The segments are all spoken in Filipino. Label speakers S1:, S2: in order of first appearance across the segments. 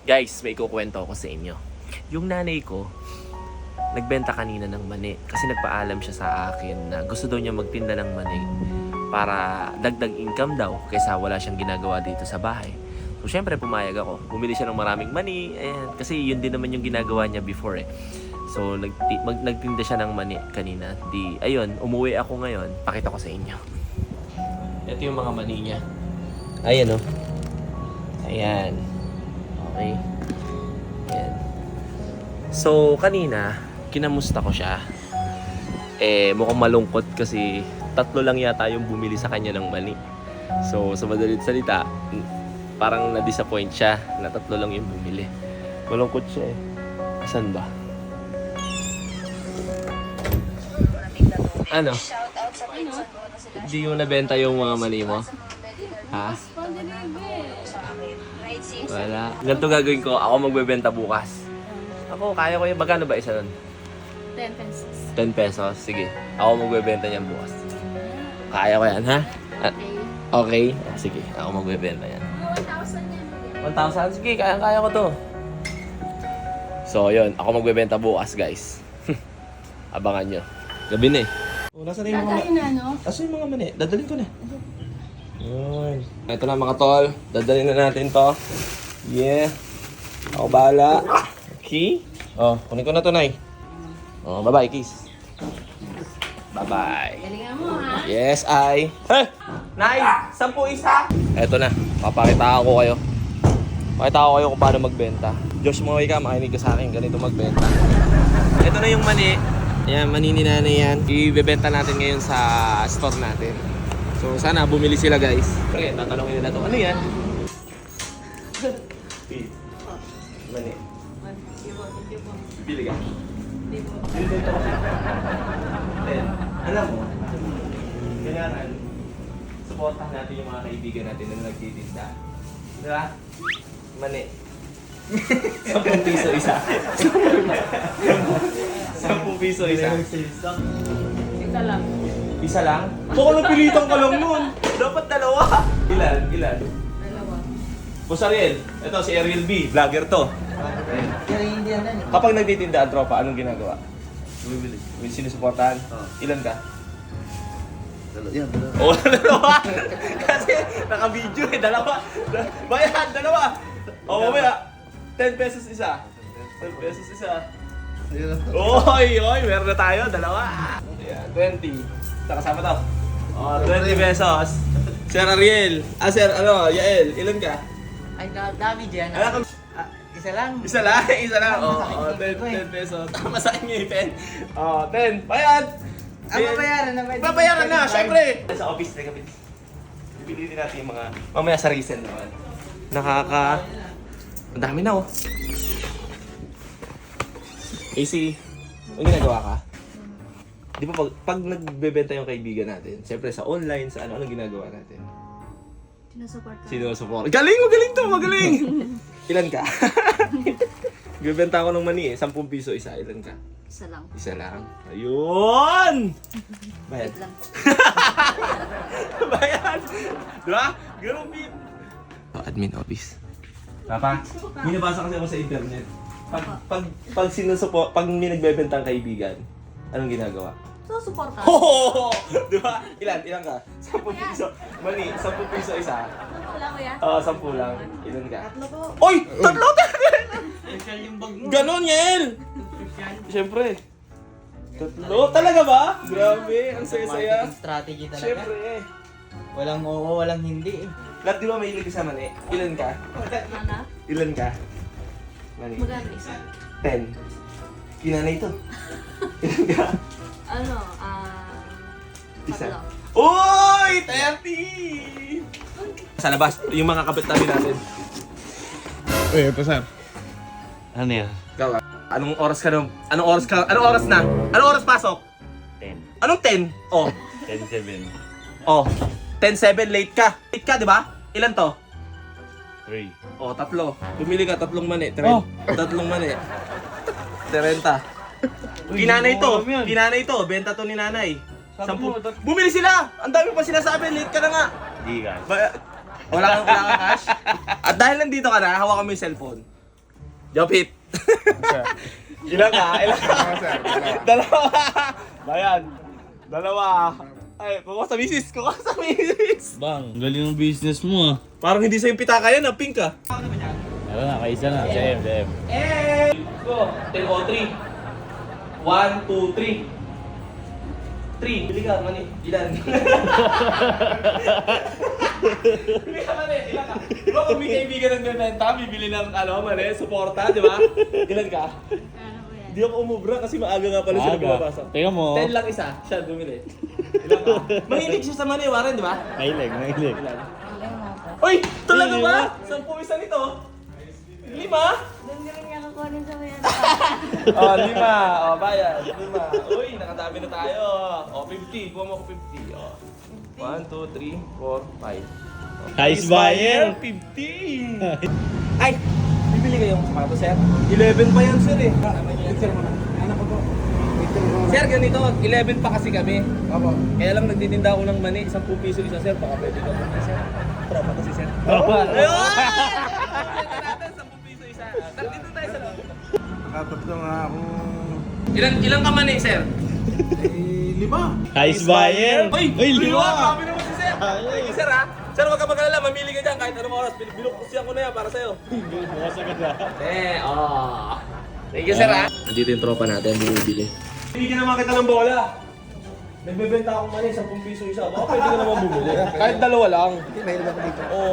S1: Guys, may kukwento ako sa inyo. Yung nanay ko, nagbenta kanina ng mani kasi nagpaalam siya sa akin na gusto daw niya magtinda ng mani para dagdag income daw kaysa wala siyang ginagawa dito sa bahay. So syempre pumayag ako. Bumili siya ng maraming mani, ayan, kasi yun din naman yung ginagawa niya before eh. So nagtinda siya ng mani kanina. Di ayun, umuwi ako ngayon. Pakita ko sa inyo. Ito yung mga mani niya. Ayan oh. Ayan. Okay. Ayan. So, kanina, kinamusta ko siya. Mukhang malungkot kasi 3 lang yata yung bumili sa kanya ng mani. So, sa madalit salita, parang na-disappoint siya na 3 lang yung bumili. Malungkot siya eh. Saan ba? Ano? Hindi mo nabenta yung mga mani mo? Ha? Wala. Ganito gagawin ko. Ako magbebenta bukas. Ako, kaya ko yun. Magkano ba isa nun?
S2: 10 pesos.
S1: 10 pesos? Sige. Ako magbebenta niyan bukas. Kaya ko yan, ha? Okay? Sige. Ako magbebenta yan.
S2: 1,000 yan.
S1: 1,000? Sige, kaya ko to. So, yun. Ako magbebenta bukas, guys. Abangan nyo. Gabi na eh. Oh, nasa na yung mga...
S2: Tatay na, no?
S1: Nasa yung mga mani? Dadalhin ko na. Yun. Ito na mga tol. Dadalhin na natin to. Yeah. Ako bahala. Okay? Oh, kunin ko na to, Nay. Oh, bye-bye, kiss. Bye-bye.
S2: Galingan mo, ha?
S1: Yes, I. Hey! Nay! 10 isa! Eto na. Papakita ko kayo. Pakita ko kayo kung paano magbenta. Josh Moy ka, makinig ka sa akin. Ganito magbenta. Ito na yung mani. Ayan, mani ni nanay yan. Ibebenta natin ngayon sa store natin. So, sana bumili sila, guys. Okay, tatanungin nila to. Ano yan? Mani. Bili ka. Binibenta ko siya. Then, alam mo, kailangan supportahan natin yung mga kaibigan natin na nagtitinda. Diba? Mani. 10 piso isa. 10 piso isa.
S2: Ito lang.
S1: Isa lang? Baka napilitan ka lang nun. Dapat 2. Ilan?
S2: Dalawa.
S1: Boss Ariel, ito si Ariel B, vlogger to. Kapag nagtitinda ang tropa, anong ginagawa?
S3: Bumibili.
S1: Sinusuportahan? Ilan ka?
S3: Yan, dalawa.
S1: Oo, 2. Kasi naka-video eh, 2. Bayan, 2. O, mamaya, 10 pesos isa. 10 pesos isa.
S3: Ayun lang.
S1: Oy, meron na tayo, 2. Ayan, 20. Ito, kasama to. Oh, 20 pesos. Sir Ariel. Sir, Yael, ilan ka?
S4: Ay, dami dyan.
S1: Alam ka,
S4: Isa lang.
S1: isa lang. Oh,
S4: Masakit yung
S1: 10 pesos. Masakit niya yung pen. Oh, 10. Bayad!
S4: Babayaran na.
S1: Babayaran na, syempre! Sa office na kami. Bibili natin yung mga... Mamaya sa resell naman. Ang dami na, oh. AC, may ginagawa ka? Di ba pag nagbebenta yung kaibigan natin, syempre sa online, sa anong ginagawa natin? Sinusupport. Galing! Magaling! Ilan ka? Bibenta ko ng mani eh, 10 piso isa. Ilan ka? Isa lang. Ayun! Bayad.
S2: lang.
S1: Bayad! Diba? Ganun, Pete. Admin office. Papa, may nabasa kasi ako sa internet. Pag may nagbebentang kaibigan, anong ginagawa?
S2: So, suporta.
S1: Oh! Diba? Ilan ka? 10 piso. Mani, 10 piso isa.
S2: Wala ko yan.
S1: 10 lang. Ilan ka?
S2: 3 po.
S1: Oy! 3!
S4: Special yung bag mo.
S1: Ganon, Yel! Siyempre. 3? Talaga ba? Grabe, ang saya-saya.
S4: Marketing strategy talaga.
S1: Siyempre.
S4: Walang oo, walang hindi.
S1: Lahat di ba may ilig sa mani? Ilan ka?
S2: Mana?
S1: Ilan ka? Mani.
S2: Maganda isa.
S1: 10. Kinanay ito. Ilan ka? Isa.
S2: 3.
S1: Uy! 30! Sa labas, yung mga kapit namin natin.
S3: Uy, ito sir.
S5: Ano yan?
S1: Ikaw, anong oras ka na? Anong oras na? Anong oras pasok?
S5: 10.
S1: Anong 10? Oh.
S5: 10-7.
S1: Oh. 10-7, late ka. Late ka, di ba? Ilan to?
S5: 3.
S1: Oh, 3. Bumili ka, 3 mani. 3 mani. 30. Kinanay to. Benta to ni nanay. 10. Bumili sila! Ang dami pa sinasabi, late ka na nga.
S5: Di ka.
S1: Wala kang cash? At dahil nandito ka na, hawakan mo yung cellphone. Jopit. Ilan ka? Ilan ka? Dalawa. Bayan. Dalawa. Ay, kuha sa misis. Kuha sa misis.
S5: Bang, galing ng business mo ah.
S1: Parang hindi sa'yo pitaka yan, pink ka.
S5: Ano na, kaisa na. Same.
S1: Go. 10 o 3. 1, 2, 3. 3. Bili ka, mani. Ilan? Bili ka, mani. Ilan ka? Di ba kung may kaibigan ng bebenta, bibili ng mani, suporta, di ba? Ilan ka?
S2: Ano ko yan?
S1: Di ako umubra kasi maaga nga pala sila bumabasa.
S5: Tingnan mo.
S1: 10 lang isa, siya bumili. Ilan ka? Mahilig siya sa mani, Warren, di ba?
S5: Mahilig.
S1: Ilan?
S2: Alam mo.
S1: Uy! Talaga ba? 10 isa nito? 5?
S2: Doon ka rin niya kukunin sa may ano.
S1: Oh, 5. Oh, bayad. 5. Uy, nakadami na tayo. Oh, 50. Kuha mo ako 50. Oh. 1, 2, 3, 4, 5.
S5: Nice buyer.
S1: 50. Ay! Bibili kayong sapatos, sir? 11 pa yan, sir eh. Sir mo na. Anak ko po. Sir, ganito. 11 pa kasi kami.
S3: Opo.
S1: Kaya lang nagtitinda ako ng mani. 10 piso isa, sir. Baka pwede ka muna, sir. Tropa to si sir.
S5: Tropa.
S1: Ayun! Benta natin, 10 piso isa. Dito tayo sa loob.
S3: Nakatatlo nga ako.
S1: Ilang ka mani, sir?
S3: 5.
S5: Nice buyer.
S1: Uy!
S5: Uy,
S1: Liwa!
S5: liwa.
S1: Grabe naman si sir! Thank you, sir, ha? Sir, huwag ka mag-alala. Mamili ka dyan kahit anong oras. Binukusiyan ko na yan para sa'yo.
S5: Bukas agad ah.
S1: Thank you, sir, ha? Nandito yung tropa natin. Bumibili. Bibigyan naman kita ng bola. Nagbebenta akong mani, 10 piso isa. Baka pwede ka naman bumili. Kahit dalawa lang.
S3: Mahilig ako dito.
S1: Oo.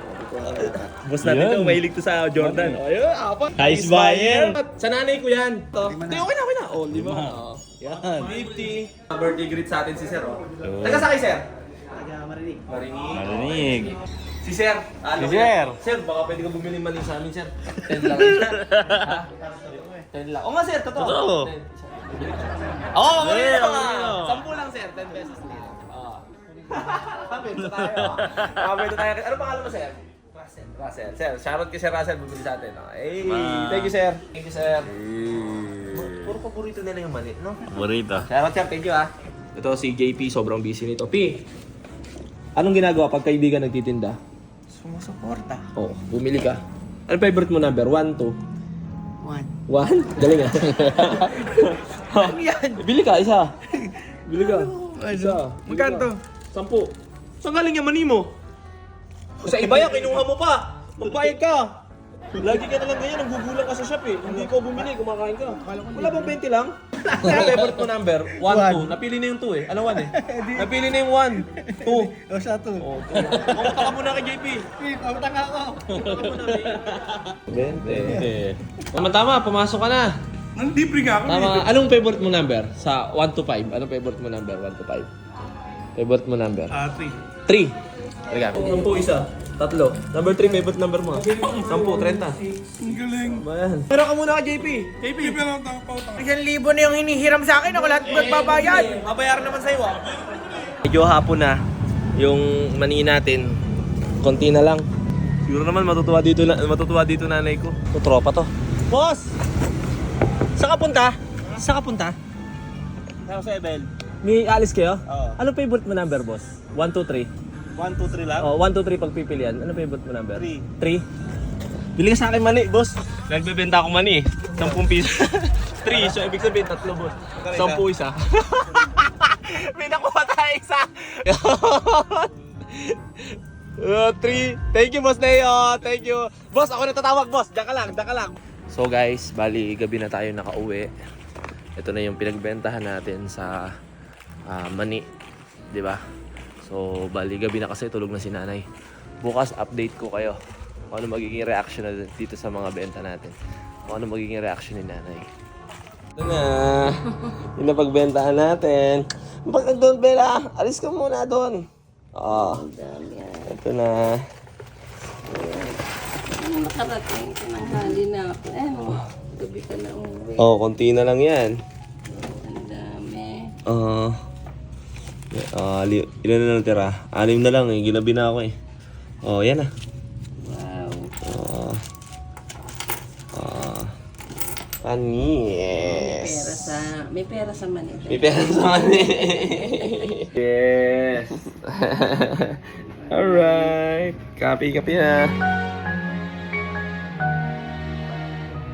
S1: Boss natin
S5: Yan.
S1: to, mahilig to sa Jordan. Ayun, apat.
S5: Nice buyer.
S1: Sa nanay ko yan. Hindi, okay na. Oh, 5. Oh.
S5: Yan.
S1: 50. Birthday greet sa atin si Sir. Oh. Taga sa kay Sir? Marinig.
S5: Marinig.
S1: Si Sir. Ano
S5: Si Sir.
S1: Sir, baka pwede ka bumili mali sa amin, Sir. 10 lang. Ha? 10 lang. O nga, Sir. Totoo.
S5: Totoo.
S1: Oo, mamili
S5: Yeah,
S1: na
S5: mamili na.
S1: 10 lang, Sir. 10 pesos din. Oo. Kapito tayo. Kapito tayo. Ano pangalan mo, Sir? Russell. Sir, shoutout kay Sir Russell. Bumili sa atin. Hey, thank you, Sir. Thank you, Sir. Puro paborito nila yung mali, no?
S5: Paborito.
S1: Shoutout, Sir. Thank you, ah. Ito si JP, sobrang busy nito. P, anong ginagawa pag kaibigan nagtitinda?
S4: Sumusuporta.
S1: Oo, bumili ka. Ano favorite mo number? 1, 2?
S4: 1.
S1: 1? Galing ah.
S4: Ano yan?
S1: Bili ka, isa. Bili ka. Isa.
S4: Magkano to?
S1: 10. Saan galing yung mani mo? Sa iba yan, kinuha mo pa. Magbayad ka. Lagi ka na lang ganyan, nanggugulang ka sa shop eh. Hindi ko bumili, kumakain ka. Wala bang 20 lang? Ano favorite mo number? 1, 2. Napili na yung 2 eh. Ano 1 eh? Napili na yung 1. 2.
S3: O siya to.
S1: Oh, pumunta ka muna kay JP.
S3: Pamatanga ako.
S1: Pumunta ka muna, Bente. Tama, pumasok ka na.
S3: Nandibre nga ako.
S1: Tama. Anong favorite mo number? Sa 1 to 5. Anong favorite mo number? 1 to 5. Favorite mo number?
S3: 3.
S1: 3. Halika. 10 isa. 3. Number 3, favorite number mo. 10, 30.
S3: Ang galing.
S1: Bayan. Pero ka muna ka, JP. JP.
S3: Pero ang pautang.
S4: 1,000 na yung hinihiram sa akin. Ako lahat magbabayad.
S1: Mabayaran naman sa'yo ah. Medyo hapon na. Yung mani natin, konti na lang. Siguro naman matutuwa dito nanay ko. Ito, tropa to. Boss! Saan ka punta? Saan ka punta?
S5: Saan sa Ebel?
S1: May alis kayo?
S5: Oo.
S1: Anong favorite mo number, boss? 1, 2, 3.
S5: 1, 2, 3 lang?
S1: Oh, 1, 2, 3 pagpipilian. Ano favorite mo number?
S5: 3.
S1: 3? Bili ka sa akin mani, boss. Nagbebenta ako mani. 10 piso. 3, so ibig sabihin 3, boss. 10 isa. May nakuha tayo isa. 3. Thank you, boss Leo. Thank you. Boss, ako natatawag, boss. Diyan ka lang. So guys, bali gabi na tayo nakauwi. Ito na yung pinagbentahan natin sa mani. 'Di ba? So, bali gabi na kasi tulog na si nanay. Bukas update ko kayo kung ano magiging reaction na dito sa mga benta natin. Kung ano magiging reaction ni nanay. Ito na. Yung napagbentahan natin. Pag doon, Bella, alis ka muna doon. Oo. Ito na.
S2: Nakarating ka ng hali na ako. Gabi ka na umuwi.
S1: Oh, konti na lang yan.
S2: Ang dami.
S1: Ilan na natira? 6 na lang eh. Ginabi na ako eh. Oh, yan ah.
S2: Wow.
S1: Panis.
S2: May pera sa Manila.
S1: May pera sa mani. Yes. Alright. Kapi na.